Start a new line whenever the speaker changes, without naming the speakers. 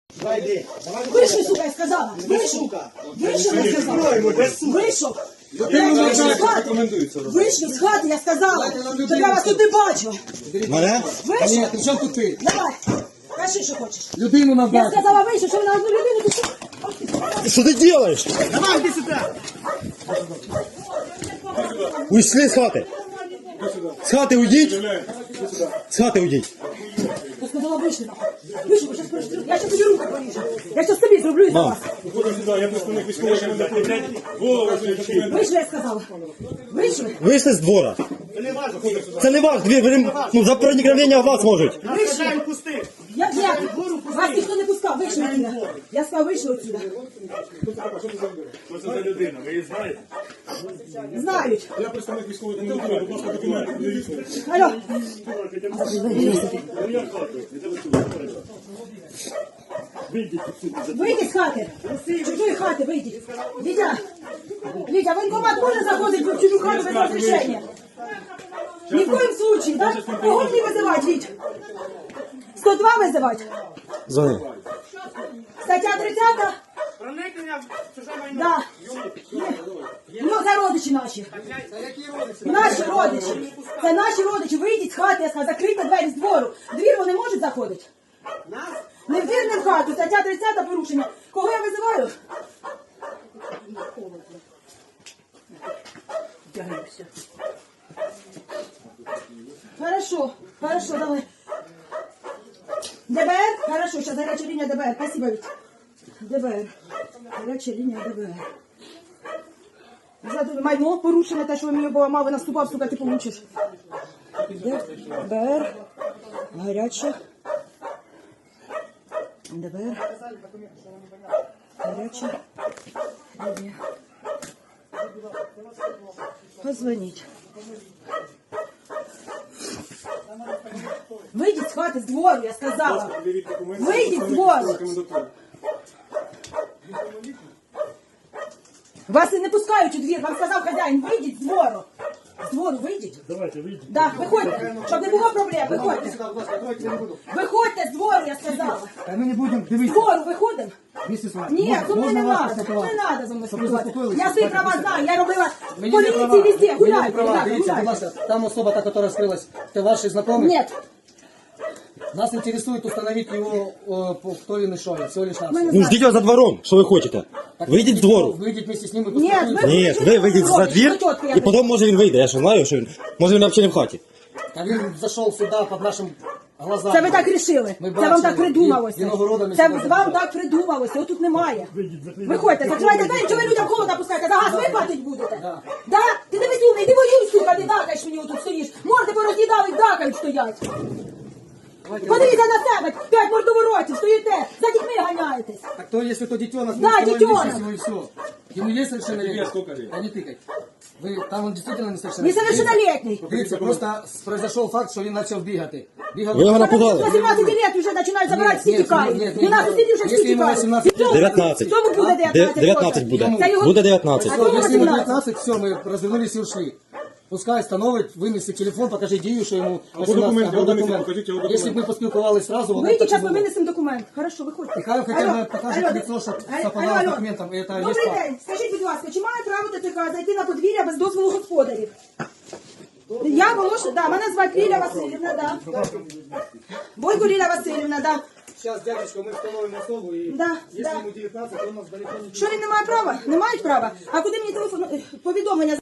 Вийшов, сука, я сказала. Вийшов. Вийшов, я сказала. Вийшов. Вийшов з хати, я сказала. То я вас тут не бачу.
Мене?
Вийшов.
Ні, при чому тут ти?
Давай. Кажи, що хочеш.
Людину
Я
надати.
сказала, вийшов, що ви на одну людину тут.
Что ты делаешь?
Давай, іди сюди.
Ушли с хаты. С хаты уйдите. С хаты уйдите.
Я сказала, вийшли. Вийшов, я зараз тобі руку поріжу. Я зараз тобі зроблю і за вас. Вийшли, я сказала. Вийшли.
Вышли с двора. Це не ваш двір, ви, ну, за проникновення в вас можуть.
Вийшли. Як? Вас ніхто не пускав, вийшли отсюда. Я сказала, вийшли отсюда.
Що це за людина? Ви її знаєте?
Знають.
Я представник військової комендатури, будь ласка, документи.
Алло. Вийдіть з хати. З чужої хати вийдіть. Вітя, воєнкомат може заходити в чужу хату без розрішення? Ні в коїм случаї, так? Кого мені визивати, Віть? 102 визивати?
Звони.
Стаття 30?
Проникнення в чуже майно.
Да. Ну, це родичі наші. Наші родичі. Це наші родичі. Вийдіть з хати, я сказала, закрийте двері з двору. Двір вони можуть заходити? Не в двір, не в хату. Стаття 30 порушення. Кого я визиваю? Хорошо, давай. ДБР? Хорошо, сейчас горячая линия ДБР. Спасибо, Вить. ДБР. Горячая линия ДБР. За майно порушено, те, що ви мені поламав, ви наступав, сука, ти получиш. ДБР. Гаряча. ДБР. Гаряча линия. Позвонить. Вийдіть з хати, з двору, я сказала. Вийдіть з двору. Вас і не пускають у двір, вам сказав хазяїн, вийдіть з двору. З двору вийдіть.
Давайте, вийдіть.
Так, виходьте, щоб не було проблем, виходьте. Виходьте з двору, я сказала.
Ми не будемо
З
дивитися.
двору виходимо.
Місце своє.
Ні, зо мною не
Можна
треба,
вас
не
поспілкувати?
треба зо мною
Щоб ви
спілкуватися.
заспокоїлися,
Я свої
спокійно.
права знаю, я робила
Мені не права.
поліції везде,
Мені не
гуляйте,
права.
ребята,
Дивіться, будь
гуляйте.
ласка, там особа, та, которая скрылась, это ваш знакомый?
Нет,
Нас интересует установить его, кто он и что он, всего лишь нас.
Ну, ждите вас за двором, що ви хочете. Вийдіть з двору.
Выйдите вместе с ним и
нет,
поспілкуйтесь.
Ні, ви вийдіть за двір, і потім може він вийде. Я що знаю, що він, може він взагалі не в хаті.
А він зашел сюда под нашим глазам.
це ви так рішили.
Ми
Це вам так
бачили.
придумалося.
Виногородами
Це
сюди
вам
зайшли.
так придумалося. Його тут немає. Виходьте, закривайте двері, чого ви людям холодно пускаєте? За газ ви платить будете?
Да.
Да? Ти дивись умний, ти воюй, сука, не дакаєш мені отут стоїш. Морди пороз'їдали, дакають стоять. Подивіться на себе, 5 мордоворотів, стоїте, за дітьми ганяєтесь.
Так то, если то детенок,
Да,
мы установим
детенок.
личность его и все. Ему есть совершеннолетие?
сколько лет?
Да не тыкай. Вы, там он действительно несовершеннолетний.
Несовершеннолетний.
Дивіться, просто произошел факт, що він почав бігати. Бігав.
Ви його
До
напугали.
18 лет вже починають забирати, всі
Ні,
тікають.
ні, ні,
12 лет вже всі
якщо йому
тікають.
18,
Цьому-
19.
Цьому буде 19.
19 буде.
Це його-
Буде 19.
А
Все,
чому
если ему
18?
19, все, мы развернулись и ушли. Пускай становить, винесе телефон, покажи Дію, що йому
документи,
або
винесіть,
документ.
покажіть його документи.
Якщо б ми поспілкувалися сразу, воно
Вийдіть,
так і
зараз ми
було.
винесемо документ. Хорошо, виходьте.
І хай хоча б
Алло,
покаже
алло.
лицо, що
Алло,
совпадало з
алло.
документом. І це є
Добрий
факт.
день. Скажіть, будь ласка, чи має право ТТК зайти на подвір'я без дозволу господарів? Я Волошин, да, мене звати Ліля Васильівна, да. Бойко Ліля Васильівна, да.
Зараз, дядечко, ми встановимо особу і
Да,
якщо
да.
йому 19, то у нас далеко не
Що він не має права? Не мають права? А куди мені телефон, повідомлення